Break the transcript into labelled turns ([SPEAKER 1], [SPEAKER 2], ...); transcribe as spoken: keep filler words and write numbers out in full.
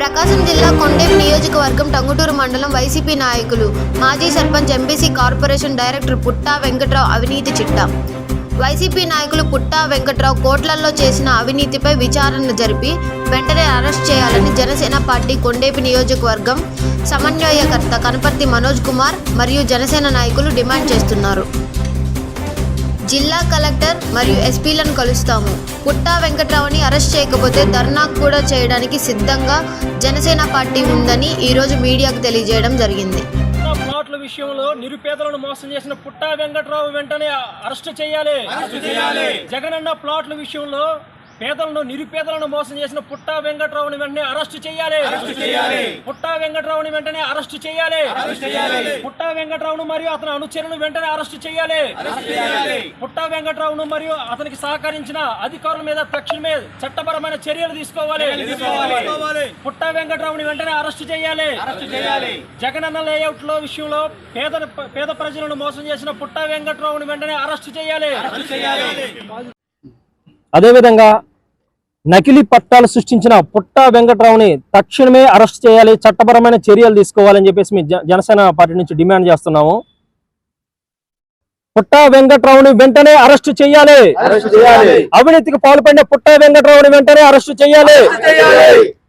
[SPEAKER 1] ప్రకాశం జిల్లా కొండేపి నియోజకవర్గం టంగుటూరు మండలం వైసీపీ నాయకులు మాజీ sarpanch MBC corporation director Putta Venkatrao అవినీతి చిట్టా. వైసీపీ నాయకులు పుట్టా వెంకట్రావు కోట్లల్లో చేసిన అవినీతిపై విచారణ జరిపి వెంటనే అరెస్ట్ చేయాలని జనసేన పార్టీ కొండేపి నియోజకవర్గం సమన్వయకర్త కనపర్తి మనోజ్ కుమార్ మరియు జనసేన నాయకులు డిమాండ్ చేస్తున్నారు. జిల్లా కలెక్టర్ మరియు ఎస్పీలను కలుస్తాము. పుట్టా వెంకట్రావుని అరెస్ట్ చేయకపోతే ధర్నా కూడా చేయడానికి సిద్ధంగా జనసేన పార్టీ ఉందని ఈరోజు మీడియాకు తెలియజేయడం జరిగింది.
[SPEAKER 2] ప్లాట్ల విషయంలో నిరుపేదలను మోసం చేసిన పుట్టా వెంకట్రావు వెంటనే అరెస్ట్ చేయాలి. జగనన్న ప్లాట్ల విషయంలో పేదలను నిరుపేదలను మోసం చేసిన పుట్టా వెంకట్రావుని వెంటనే అరెస్ట్ చేయాలి. పుట్టా వెంకట్రావుని వెంటనే అరెస్ట్ చేయాలి. పుట్టా వెంకట్రావును మరియు అతని అనుచరులను వెంటనే అరెస్ట్ చేయాలి. పుట్టా వెంకట్రావును మరియు అతనికి సహకరించిన అధికారుల మీద తక్షణమే చట్టపరమైన చర్యలు తీసుకోవాలి. పుట్టా వెంకట్రావుని వెంటనే అరెస్ట్ చేయాలి. జగనన్న లేఅవుట్ లో విషయంలో పేద పేద ప్రజలను మోసం చేసిన పుట్టా వెంకట్రావుని వెంటనే అరెస్ట్ చేయాలి.
[SPEAKER 3] అదేవిధంగా నకిలీ పట్టాలు సృష్టించిన పుట్టా వెంకట్రావుని తక్షణమే అరెస్ట్ చేయాలి, చట్టపరమైన చర్యలు తీసుకోవాలని చెప్పేసి మేము జనసేన పార్టీ నుంచి డిమాండ్ చేస్తున్నాము. పుట్టా వెంకట్రావుని వెంటనే అరెస్ట్ చేయాలి. అవినీతికి పాల్పడిన పుట్టా వెంకట్రావుని వెంటనే అరెస్ట్ చేయాలి.